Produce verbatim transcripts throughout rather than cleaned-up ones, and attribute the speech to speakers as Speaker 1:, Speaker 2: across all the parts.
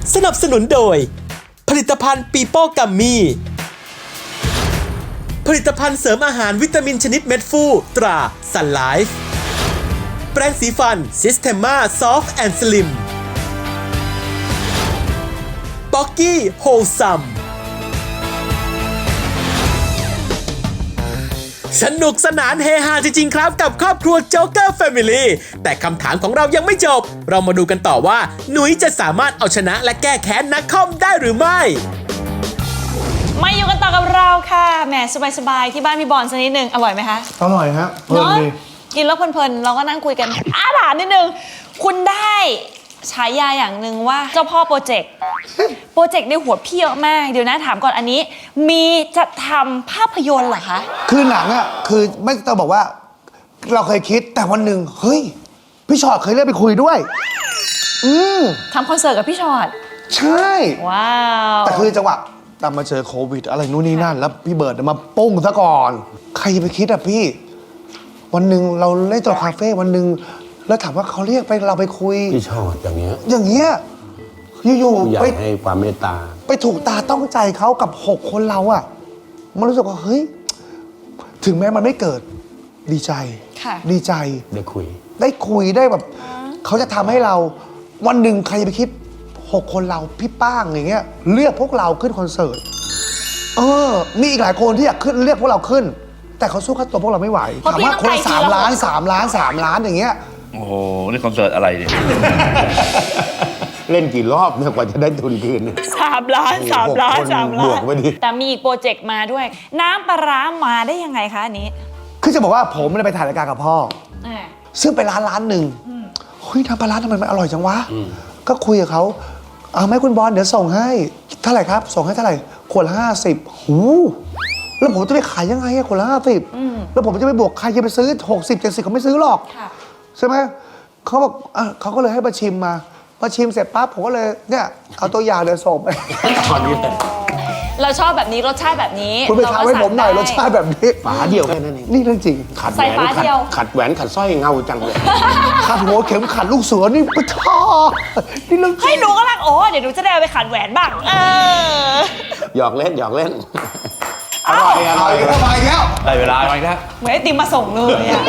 Speaker 1: สนับสนุนโดยผลิตภัณฑ์ปีโป้กัมมี่ผลิตภัณฑ์เสริมอาหารวิตามินชนิดเม็ดฟูตราซันไลฟ์แปรงสีฟันซิสเทม a าซอฟต์แอนด์สลิมป๊อกกี้โฮลซัมสนุกสนานเฮฮาจริงๆครับกับครอบครัวโจ๊กเกอร์แฟมิลี่แต่คำถามของเรายังไม่จบเรามาดูกันต่อว่าหนุยจะสามารถเอาชนะและแก้แค้นนักคอมได้หรือไม่
Speaker 2: มาอยู่กันต่อกับเราค่ะแหมสบายๆที่บ้านพี่บอลสักนิดนึงอร่อยไหมคะ
Speaker 3: อร่อยฮะเพลินดี
Speaker 2: กินแล้วเพลินๆเราก็นั่งคุยกันอาถามนิดนึงคุณได้ฉายาอย่างหนึ่งว่าเจ้าพ่อโปรเจกต์โปรเจกต์ในหัวพี่เยอะมากเดี๋ยวนะถามก่อนอันนี้มีจะทำภาพยนตร์เหรอคะ
Speaker 3: คือหนังอ่ะคือไม่ต้องบอกว่าเราเคยคิดแต่วันหนึ่งเฮ้ยพี่ชอตเคยเรียกไปคุยด้วยอืม
Speaker 2: ทำคอนเสิร์ตกับพี่ชอต
Speaker 3: ใช่
Speaker 2: ว้าว
Speaker 3: แต่คือจังหวะตามมาเจอโควิดอะไรนู่นนี่นั่นแล้วพี่เบิร์ดมาปุ้งซะก่อนใครจะไปคิดอ่ะพี่วันหนึ่งเราเล่นตัวคาเฟ่วันหนึ่งแล้วถามว่าเขาเรียกไปเราไปคุย
Speaker 4: พี่ชอตอย่างเงี้ย
Speaker 3: อย่างเงี้ยอยู่ๆ
Speaker 4: ไปให้ความเมตตา
Speaker 3: ไปถูกตาต้องใจเขากับหกคนเราอ่ะมันรู้สึกว่าเฮ้ยถึงแม้มันไม่เกิดดีใจดีใจ
Speaker 4: ได้คุย
Speaker 3: ได้คุยได้แบบเขาจะทำให้เราวันหนึ่งใครจะไปคิดหกคนเราพี่ป้างอย่างเงี้ยเลือกพวกเราขึ้นคอนเสิร์ตเออมีอีกหลายคนที่อยากขึ้นเรียกพวกเราขึ้นแต่เขาสู้ค่าตัวพวกเราไม่ไหวถามว่าคนสามล้านสามล้านสามล้านอย่างเงี้ย
Speaker 5: โอ้โหนี่คอนเสิร์ตอะไรเนี่ย
Speaker 4: เล่นกี่รอบเนี่ยกว่าจะได้ทุนคืน
Speaker 2: สามล้านสามล้านสามล้านแต่มีอีกโปรเจกต์มาด้วยน้ำปลาร้ามาได้ยังไงคะอันนี้
Speaker 3: คือจะบอกว่าผมไปถ่ายรายการกับพ่อซึ่งไปร้านร้านหนึ่งเฮ้ยน้ำปลาร้าทำไมมันอร่อยจังวะก็คุยกับเขาเอาไหมคุณบอลเดี๋ยวส่งให้เท่าไหร่ครับส่งให้เท่าไหร่ขวดละห้าสิบหูแล้วผมจะไปขายยังไงอะขวดละห้าสิบแล้วผมจะไปบวกใครจะไปซื้อหกสิบเจ็ดสิบเขาไม่ซื้อหรอกใช่ไหมเขาบอกเขาก็เลยให้มาชิมมามาชิมเสร็จปั๊บผมก็เลยเนี่ยเอาตัวอย่างเดี๋ยวส่งไป
Speaker 4: ตอนนี้
Speaker 2: เราชอบแบบนี้รสชาติแบบนี้
Speaker 3: คุณไปทำให้ผมหน่อยรสชาติแบบนี้
Speaker 4: ฝาเดียวแค่นั้นเอง
Speaker 3: นี่เรื่องจริง
Speaker 4: ขัดแหวนขัดแหวนขัดสร้อยเงาจังเลย
Speaker 3: ขัดหัวเข็มขัดลูกเสือนี่ปะท้อนี่เรื่อง
Speaker 2: ให้หนูก็รักโอ้เดี๋ยวหนูจะได้ไปขัดแหวนบ้างเออ
Speaker 4: หยอกเล่นหยอกเล่น
Speaker 3: อร่อยอร่อยอร่อยแล้ว
Speaker 5: ได้เวลาไปแล้ว
Speaker 2: เหมือนไอติมมาส่งเลยอ่ะ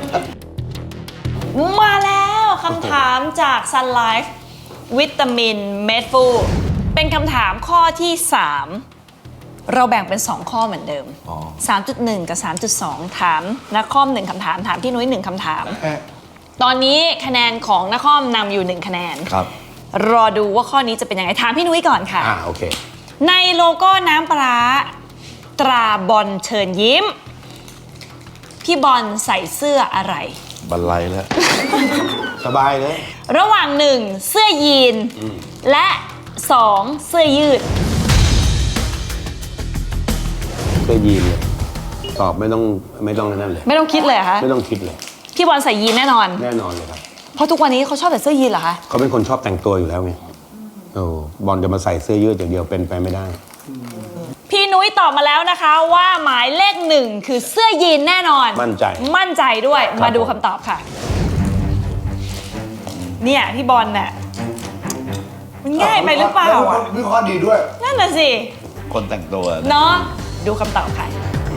Speaker 2: มาแล้วคำถามจาก Sun Life วิตามินเม็ดฟูเป็นคำถามข้อที่สามเราแบ่งเป็นสองข้อเหมือนเดิม สามจุดหนึ่ง กับ สามจุดสอง ถามนักคอมหนึ่งคำถามถามพี่นุ้ยหนึ่งคำถามตอนนี้คะแนนของนักคอมนำอยู่หนึ่งคะแนน
Speaker 5: ครับ
Speaker 2: รอดูว่าข้อนี้จะเป็นยังไงถามพี่นุ้ยก่อนค่ะ
Speaker 4: อ่าโอเค
Speaker 2: ในโลโก้น้ำปลาตราบอลเชิญยิ้มพี่บอลใส่เสื้ออะไร
Speaker 5: บรรลัยแล้ว
Speaker 4: สบายเลย
Speaker 2: ระหว่างหนึ่งเสื้อยีนและสองเสื้อยืด
Speaker 4: เสื้อยีนเลยตอบไม่ต้องไม่ต้องนั่นเลย
Speaker 2: ไม่ต้องคิดเลยเหรอคะ
Speaker 4: ไม่ต้องคิดเลย
Speaker 2: พี่บอลใส่ยีนแน่นอน
Speaker 4: แน่นอนเลยครับ
Speaker 2: เพราะทุกวันนี้เขาชอบใส่เสื้อยีนเหรอคะ
Speaker 4: เขาเป็นคนชอบแต่งตัวอยู่แล้วไงโอ้บอลจะมาใส่เสื้อยืดอย่างเดียวเป็นไปไม่ได้
Speaker 2: พี่นุ้ยตอบมาแล้วนะคะว่าหมายเลขหนึ่งคือเสื้อยีนแน่นอน
Speaker 4: มั่นใจ
Speaker 2: มั่นใจด้วยมาดูคำตอบค่ะเนี่ยพี่บอลเนี่ยมันง่ายไปหรือเปล่าอ่ะ
Speaker 3: วิเคราะห์ดีด้วย
Speaker 2: นั่นน่ะสิ
Speaker 5: คนแต่งตัว
Speaker 2: เนาะดูคำตอบค่ะ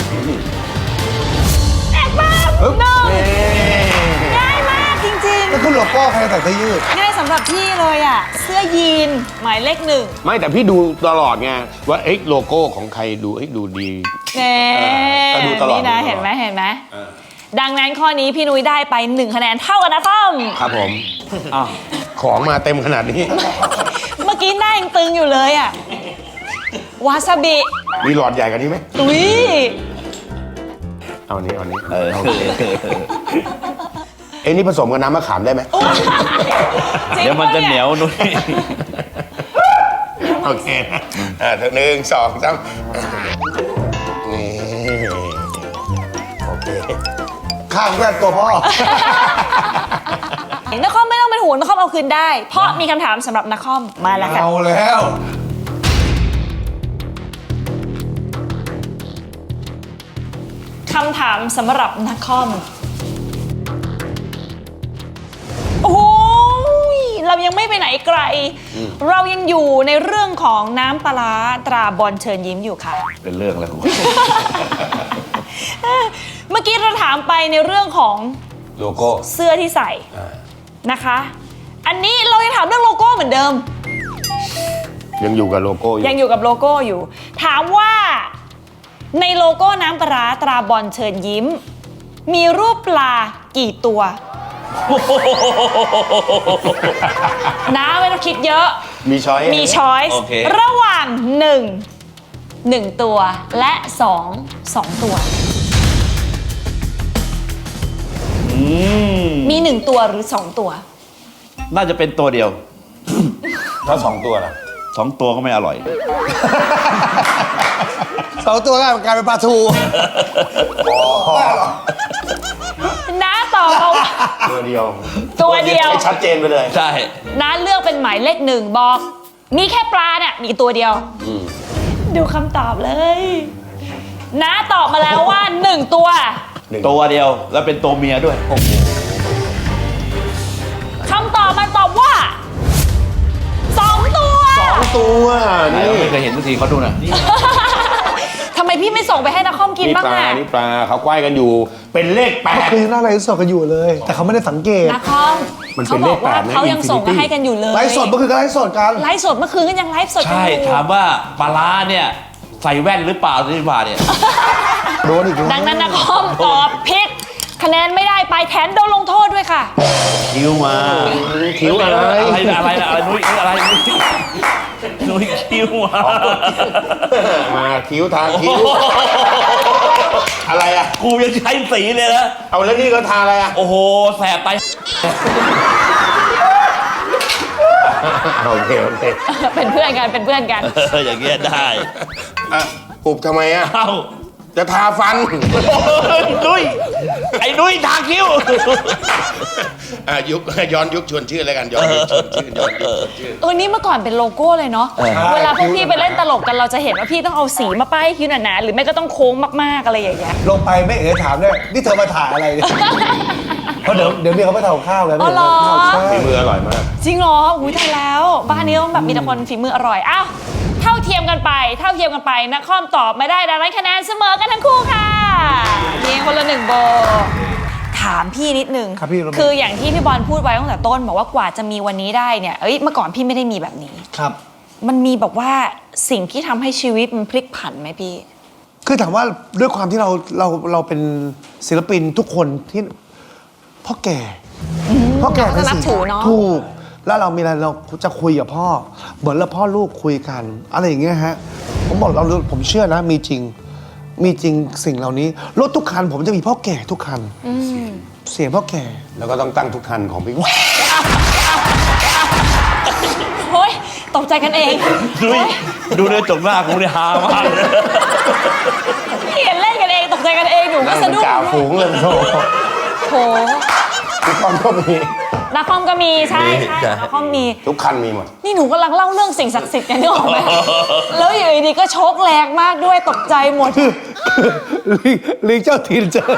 Speaker 2: แอบบ้าหนึ่งง่ายมากจริงๆ
Speaker 3: แล้วคุณหลวงพ่อใครใส่เสื้อยืด
Speaker 2: ง่ายสำหรับพี่เลยอ่ะเสื้อยีนหมายเลขหนึ่ง
Speaker 4: ไม่แต่พี่ดูตลอดไงว่าเอ๊ะโลโก้ของใครดูเอ๊ะดูดี
Speaker 2: เน่ดูตลอดนี่นะเห็นไหมเห็นไหมดังนั้นข้อนี้พี่นุ้ยได้ไปหนึ่งคะแนนเท่ากันนะต้อม
Speaker 4: ครับผมของมาเต็มขนาดนี้
Speaker 2: เมื่อกี้หน้ายังตึงอยู่เลยอ่ะวาซาบิ
Speaker 4: มีหลอดใหญ่กว่านี้ไหม
Speaker 2: อุ้ย
Speaker 4: เอาอันนี้เอาอันนี้เออเอ้นี่ผสมกับน้ำมะขามได้ไหม
Speaker 5: เดี๋ยวมันจะเหนียวนุ้ย
Speaker 4: โอเคอ่าหนึ่งสองสามนี่โอเค
Speaker 3: ข้างแรกตัวพ่อ
Speaker 2: นักคอมไม่ต้องเป็นห่วงนักคอมเอาคืนได้เพราะมีคำถามสำหรับนักคอมมาแล้วค่ะ
Speaker 3: เอาแล้ว
Speaker 2: คำถามสำหรับนักคอมโอ้ยเรายังไม่ไปไหนไกล เรายังอยู่ในเรื่องของน้ำปลาร้าตราบอลเชิญยิ้มอยู่ค่ะ
Speaker 5: เป็นเรื่องแล้ว
Speaker 2: เมื่อกี้เราถามไปในเรื่องของ
Speaker 4: โลโก้
Speaker 2: เสื้อที่ใส่นะคะ อันนี้เรายังถามเรื่องโลโก้เหมือนเดิม
Speaker 4: ยังอยู่กับโลโก้อยู่
Speaker 2: ยังอยู่กับโลโก้อยู่ ถามว่าในโลโก้น้ำปลาร้าตราบอลเชิญยิ้ม มีรูปปลากี่ตัว นะไม่ต้องคิดเยอะ
Speaker 4: มีช้อย
Speaker 2: มีช้อยส์
Speaker 5: โอเค
Speaker 2: ระหว่างหนึ่ง หนึ่งตัวและสอง สองตัว
Speaker 5: อืม
Speaker 2: มีหนึ่งตัวหรือสองตัว
Speaker 5: น่าจะเป็นตัวเดียว
Speaker 4: ถ้าสองตัวล่ะ
Speaker 5: สองตัวก็ไม่อร่อย
Speaker 3: สองตัวก็กลายเป็นปลาทู
Speaker 2: น้าตอบมาว่า
Speaker 4: ตัวเดียว
Speaker 2: ตัวเดียว
Speaker 4: ให้ชัดเจนไปเลย
Speaker 5: ใช่
Speaker 2: น้าเลือกเป็นหมายเลขหนึ่งบอก มีแค่ปลาเนี่ยมีตัวเดียว ดูคำตอบเลยน้าตอบมาแล้วว่าหนึ่งตัว
Speaker 5: ตัวเดียวแล้วเป็นตัวเมียด้วย
Speaker 2: คำตอบมันตอบว่าสองตัว
Speaker 4: สองตัว
Speaker 5: ไหน
Speaker 4: นี่
Speaker 5: เราไม่เคยเห็นสักทีเขาดูหน่อย
Speaker 2: ทำไมพี่ไม่ส่งไปให้นักคอมกิน
Speaker 4: นี่
Speaker 2: บ้าง
Speaker 4: ปลา
Speaker 2: อะ
Speaker 4: นี่ปลาเขาควายกันอยู่ เป็นเลขแปด
Speaker 3: คือหน้าไลฟ์สดกันอยู่เลย แต่เขาไม่ได้สังเกต
Speaker 2: นักคอม
Speaker 4: มันเป็
Speaker 2: เขา
Speaker 4: น
Speaker 2: บ
Speaker 4: เล
Speaker 2: อก
Speaker 4: ขแป
Speaker 2: ว่า
Speaker 4: ดนะ
Speaker 2: เขายังส่งมาให้กันอยู่เลย
Speaker 3: ไลฟ์สดเมื่อคืนก็ไลฟ์สดกัน
Speaker 2: ไลฟ์สดเมื่อคืนก็ยังไลฟ์สดกัน
Speaker 5: ใช่
Speaker 2: อยู่
Speaker 5: ถามว่าปลาร้าเนี่ยใส่แว่นหรือเปล่าที่ว่าเนี่ย
Speaker 3: โดนอีกแล้ว
Speaker 2: ดังนั้นนักคอมตอบผิดคะแนนไม่ได้ไปแถมโดนลงโทษด้วยค่ะ
Speaker 5: คิ้วมา
Speaker 4: คิ้วอะไร
Speaker 5: อะไรนะอะไรนะอะไรนุ้ยอะไรนุ้ยนุ้ยคิ้วมา
Speaker 4: มาคิ้วทาคิ้ว อะไรอ่ะ
Speaker 5: กูยังใช้สีเลยนะ
Speaker 4: เอาแล้วนี่ก็ทาอะไรอ่ะ
Speaker 5: โอ้โหแสบไป
Speaker 4: โอเคโอเค
Speaker 2: เป็นเพื่อนกันเป็นเพื่อนกัน
Speaker 5: เอออย่างเงี้ยได้
Speaker 4: อ่ะปุบทำไมอ่ะ
Speaker 5: เอ้า
Speaker 4: จะทาฟัน
Speaker 5: นุ้ยไอ้นุ้ยทาคิ้ว
Speaker 4: อ่ะยุคย้อนยุคชวนชื่อแล้วกันย้อนยุคชวนชื่อย้อนยุคชวนชื่อ
Speaker 2: เออนี่เมื่อก่อนเป็นโลโก้เลยเนาะ เวลาพวกพี่ไปเล่นตลกกันเราจะเห็นว่าพี่ต้องเอาสีมาป้ายคิ้วหนาๆหรือไม่ก็ต้องโค้งมากๆอะไรอย่างเงี้ย
Speaker 3: ลงไปไม่เอ๋ถามด้วยนี่เธอมาถ่ายอะไรเนี่ยเพราะเดี๋ยวเดี๋ยวเมียเขาไปทำข้าวแล้ว
Speaker 2: อ๋อเหรอ
Speaker 3: ใช่
Speaker 4: ฝีมืออร่อยมาก
Speaker 2: จริงเหรออุ้ยตายแล้ว บ้านนี้ต้องแบบมีแต่คนฝีมืออร่อย อ้าว เท่าเทียมกันไป เท่าเทียมกันไปนักคอมตอบไม่ได้ดังนั้นคะแนนเสมอกันทั้งคู่ค่ะมีคนละหนึ่งโบ ถามพี่นิดนึง
Speaker 3: ครับพี่โรเบิร์ต
Speaker 2: คืออย่างที่พี่บอลพูดไว้ตั้งแต่ต้นบอกว่ากว่าจะมีวันนี้ได้เนี่ย เอ้ย เมื่อก่อนพี่ไม่ได้มีแบบนี้
Speaker 3: ครับ
Speaker 2: มันมีแบบว่าสิ่งที่ทำให้ชีวิตมันพลิกผันไหมพี่
Speaker 3: คือถามว่าด้วยความที่เราเราเราเป็นศิลปินทุกคนที่พ่อแก่พ่อแก่
Speaker 2: เราก็นับถือเนอะ
Speaker 3: ถูก แล้วเรามีอะไรเราจะคุยกับพ่อ เหมือนเราพ่อลูกคุยกัน อะไรอย่างเงี้ยฮะ ผมบอกเราผมเชื่อนะ มีจริง มีจริงสิ่งเหล่านี้รถทุกคันผมจะมีพ่อแก่ทุกคันเสียงพ่อแก่
Speaker 4: แล้วก็ต้องตั้งทุกคันของพี่
Speaker 2: เฮ้ยตกใจกันเอง
Speaker 5: นุ้ยดูเนื้อจกหน้ากูเนี่ยฮามากเลย
Speaker 2: พี่เห็นเล่นกันเองตกใจกันเองหนูก็
Speaker 4: นั่ง
Speaker 2: สะ
Speaker 4: เป็น
Speaker 2: ดุ้ง
Speaker 4: จ่าฝูงเลยโธ่
Speaker 2: โถ
Speaker 4: ทุกคนก็มี
Speaker 2: นักคอมก็มีใช่ใช่
Speaker 5: ใช่
Speaker 2: นักคอมมี
Speaker 4: ทุกคันมีหมด
Speaker 2: นี่หนูกำลังเล่าเรื่องสิ่งศักดิ์สิทธิ์กันนึกออกไหม แล้วอยู่ดีๆก็โชกแรงมากด้วยตกใจหมด
Speaker 3: ลิงลิงเจ้าถิ่นเจอ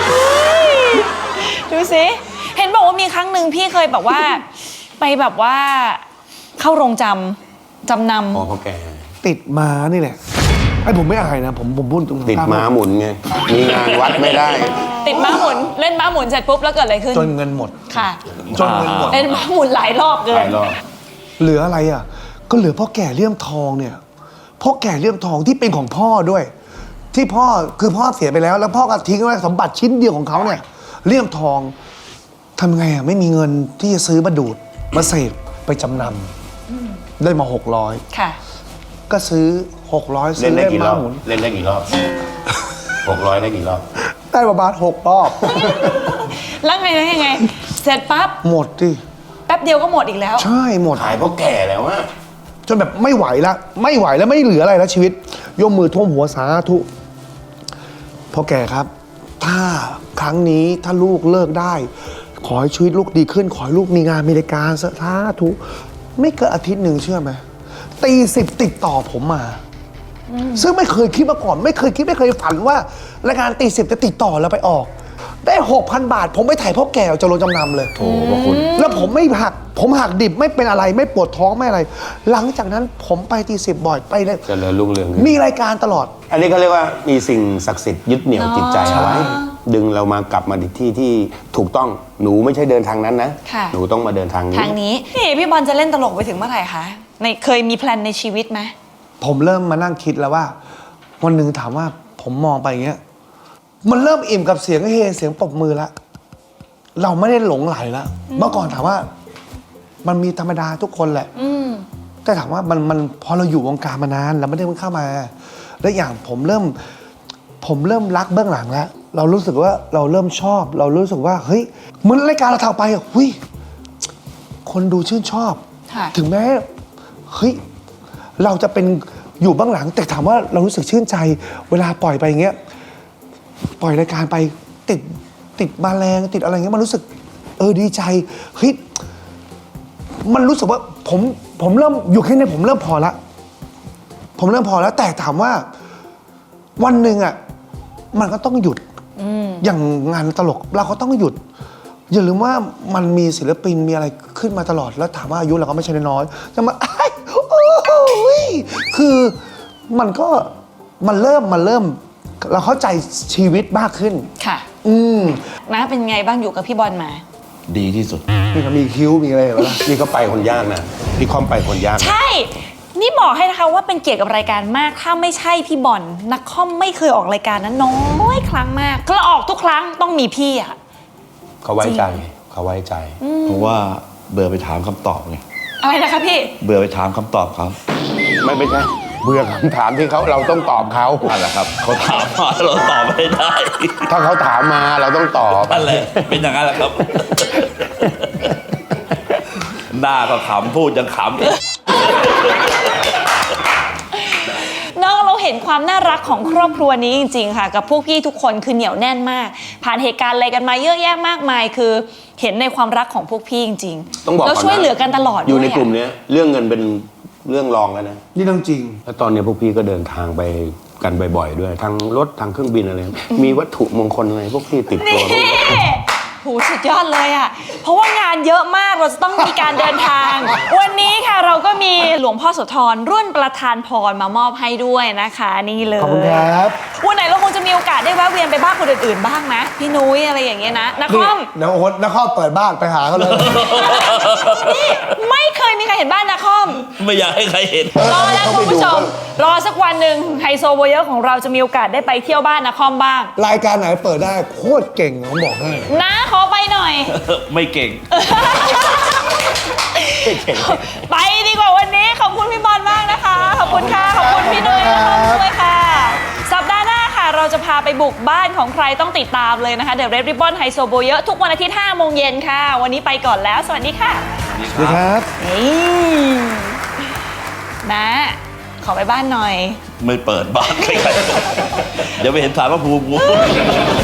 Speaker 2: ดูสิ เห็นบอกว่ามีครั้งหนึ่งพี่เคยแบบว่า ไปแบบว่าเข้าโรงจำจำน
Speaker 4: อ๋อพ่อแก่
Speaker 3: ติดม้านี่แหละไอ้ผมไม่อายนะผมผมพูดตรงๆ
Speaker 4: ติดม้าหมุนไง มีงานวัดไม่ได้
Speaker 2: ำติดม้าหมุนเล่นม้าหมุนเสร็จปุ๊บแล้วเกิดอะไรขึ้น
Speaker 3: จนเงินหมด
Speaker 2: ค่ะ
Speaker 3: จนเงินหมด
Speaker 2: เล่นม้าหมุนหลายรอบเกิ
Speaker 4: ห
Speaker 2: น
Speaker 4: ลายรอบ
Speaker 3: เหลืออะไรอ่ะ ก็เหลือพ่อแก่เลี่ยมทองเนี่ยพ่อแก่เลี่ยมทองที่เป็นของพ่อด้วย ที่พ่อคือพ่อเสียไปแล้ว แล้วพ่อก็ทิ้งไว้สมบัติชิ้นเดียวของเขาเนี่ยเลี่ยมทองทำไงอ่ะไม่มีเงินที่จะซื้อมาดูดมาเสพไปจำนำได้มาหกร้อย
Speaker 2: ค่ะ
Speaker 3: ก็ซื้อหกร้อย
Speaker 4: เล่
Speaker 3: ซื้
Speaker 4: น
Speaker 3: อ
Speaker 4: ได้
Speaker 3: เล่น
Speaker 4: กี่ร
Speaker 3: ม้า
Speaker 4: อบ
Speaker 3: หมุน
Speaker 4: เล่นได้กี่รอบหกร้อยได้กี่รอบ
Speaker 3: ได้ประมาณหกรอบ
Speaker 2: แล้วไงแล้วยังไง เสร็จปั๊บ
Speaker 3: หมดดิ
Speaker 2: แป๊บเดียวก็หมดอีกแล้ว
Speaker 3: ใช่หมด
Speaker 4: ขายพ่อแก่แล้วอะ
Speaker 3: จนแบบไม่ไหวละไม่ไหวแล้วไม่เหลืออะไรแล้วชีวิตยกมือท่วมหัวสาธุพ่อแก่ครับ ถ้าครั้งนี้ถ้าลูกเลิกได้ ขอให้ชีวิตลูกดีขึ้น ขอให้ลูกมีงานมีรายการสาธุไม่เกินอาทิตย์หนึ่งเชื่อไหมตีสิบติดต่อผมมา ซึ่งไม่เคยคิดมาก่อน ไม่เคยคิดไม่เคยฝันว่ารายการตีสิบจะติดต่อแล้วไปออกได้ หกพัน บาท ผมไปถ่ายพ่อแก่จะลงจำนำเลย
Speaker 5: โอ้พระคุณ
Speaker 3: แล้วผมไม่หัก ผมหักดิบไม่เป็นอะไรไม่ปวดท้องไม่อะไร หลังจากนั้นผมไปตีสิบบ่อยไปเลย
Speaker 6: เจริญรุ่งเรือง
Speaker 3: มีรายการตลอด
Speaker 6: อันนี้เขาเรียกว่ามีสิ่งศักดิ์สิทธิ์ยึดเหนี่ยวจิตใจเอาไว้
Speaker 2: อ๋อ
Speaker 6: ดึงเรามากลับมาที่ที่ถูกต้องหนูไม่ใช่เดินทางนั้นนะ
Speaker 2: ค่ะ
Speaker 6: หนูต้องมาเดินทางนี้
Speaker 2: ทางนี้นี่พี่บอลจะเล่นตลกไปถึงเมื่อไหร่คะในเคยมีแพลนในชีวิตไหม
Speaker 3: ผมเริ่มมานั่งคิดแล้วว่า วันหนึ่งถามว่าผมมองไปอย่างเงี้ย มันเริ่มอิ่มกับเสียงเฮเสียงปรบมือแล้วเราไม่ได้หลงไหลแล้วเมื่อก่อนถามว่า มันมีธรรมดาทุกคนแหละ
Speaker 2: อืม
Speaker 3: แต่ถามว่ามันมันพอเราอยู่วงการมานานเราไม่ได้เพิ่งเข้ามา และอย่างผมเริ่ม ผมเริ่มรักเบื้องหลังแล้ว เรารู้สึกว่าเราเริ่มชอบ เรารู้สึกว่าเฮ้ยเหมือนรายการเราทำไปอ่ะหุยคนดูชื่นชอบ
Speaker 2: ค่ะ
Speaker 3: ถึงแม้เฮ้ยเราจะเป็นอยู่เบื้องหลัง แต่ถามว่าเรารู้สึกชื่นใจ เวลาปล่อยไปอย่างเงี้ยปล่อยรายการไปติดติดมาแรงติดอะไรเงี้ยมันรู้สึก เออดีใจเฮ้ยมันรู้สึกว่าผมผมเริ่มอยู่แค่นี้ผมเริ่มพอละผมเริ่มพอแล้ว แต่ถามว่าวันหนึ่งอ่ะมันก็ต้องหยุดอย่างงานตลกเราก็ต้องหยุด อย่าลืมว่ามันมีศิลปินมีอะไรขึ้นมาตลอดแล้วถามว่าอายุเราก็ไม่ใช่น้อยๆจะมาอ้ายโอ้ยคือมันก็มันเริ่มมันเริ่ม เราเข้าใจชีวิตมากขึ้น
Speaker 2: ค่ะ
Speaker 3: อืม
Speaker 2: นะเป็นไงบ้างอยู่กับพี่บอลมา
Speaker 5: ดีที่สุด
Speaker 3: นี่ก็มีคิ้วมีอะไรแบบนั้น
Speaker 6: นี่ก็ไปคนยากนะนี่คอมไปคนยากนะ
Speaker 2: ใช่ นี่บอกให้นะคะว่าเป็นเกียรติกับรายการมาก ถ้าไม่ใช่พี่บอลนักคอมไม่เคยออกรายการนั้นน้อยครั้งมากก็ออกทุกครั้งต้องมีพี่อะ
Speaker 6: เขาไว้ใจเขาไว้ใจ
Speaker 5: เพราะว่าเบื่อไปถามคำตอบไง
Speaker 2: อะไรนะคะพี่
Speaker 5: เบื่อไปถามคำตอบเขา
Speaker 6: ไม่ไม่ใช่เบื่อคำถามที่เขาเราต้องตอบเขา
Speaker 5: นั่นแหละครับเขาถามมาเราตอบไม่ได้
Speaker 6: ถ้าเขาถามมาเราต้องตอบ
Speaker 5: นั่นแหละเป็นอย่างนั้นแหละครับ หน้าก็ขำพูดยังขำอีก
Speaker 2: น้องเราเห็นความน่ารักของครอบครัวนี้จริงๆค่ะ กับพวกพี่ทุกคนคือเหนียวแน่นมาก ผ่านเหตุการณ์อะไรกันมาเยอะแยะมากมาย คือเห็นในความรักของพวกพี่จริงๆ
Speaker 6: ต้องบอก
Speaker 2: แล้ว
Speaker 6: ก่อนนะ
Speaker 2: ช่วยเหลือกันตลอด
Speaker 6: อยู่ใน
Speaker 2: ด้วะ
Speaker 6: กลุ่มเนี้ยเรื่องเงินเป็นเรื่องรองแล้วนะ
Speaker 3: นี่เรื่องจริง
Speaker 6: แล้วตอนนี้พวกพี่ก็เดินทางไปกันบ่อยๆด้วยทางรถทางเครื่องบินอะไรมีวัตถุมงคลอะไรพวกพี่ติดตัวพวกนี้
Speaker 2: โหสุดยอดเลยอ่ะ เพราะว่างานเยอะมากเราจะต้องมีการเดินทาง วันนี้ค่ะเราก็มีหลวงพ่อโสธรรุ่นประธานพรมามอบให้ด้วยนะคะนี่เลย
Speaker 3: ขอบคุณครับ
Speaker 2: วันไหนเราคงจะมีโอกาสได้แวะเวียนไปบ้านคนอื่นๆบ้างนะพี่นุ้ยอะไรอย่างเงี้ยนะนักค
Speaker 3: นี่
Speaker 2: อม
Speaker 3: เดี๋ยวโอ๊ตนักข้อเปิดบ้านไปหาเขาเลย
Speaker 2: นี่ไม่เคยมีใครเห็นบ้านนักคอม
Speaker 5: ไม่อยากให้ใครเห็น
Speaker 2: รอแล้วคุณผู้ชม รอสักวันหนึ่งไฮโซโบเยอะของเราจะมีโอกาสได้ไปเที่ยวบ้านนักคอมบ้าง
Speaker 3: รายการไหนเปิดได้โคตรเก่งผมบอกให้
Speaker 2: นะขอไปหน่อย
Speaker 5: ไม่เก่ง
Speaker 2: ไปดีกว่าวันนี้ขอบคุณพี่บอลมากนะคะ ขอบคุณค่ะ ขอบคุณพี่นุ้ยนะคะด้วยค่ะ สัปดาห์หน้าค่ะ เราจะพาไปบุกบ้านของใครต้องติดตามเลยนะคะ The Red Ribbon ไฮโซโบเยอะทุกวันอาทิตย์ห้าโมงเย็นค่ะ วันนี้ไปก่อนแล้ว สวัสดีค่ะ
Speaker 3: สวัสดีครับ
Speaker 2: นี่นะขอไปบ้านหน่อย
Speaker 5: ไม่เปิดบ้านใครๆเดี๋ยวไปเห็นสารพระภูมิกู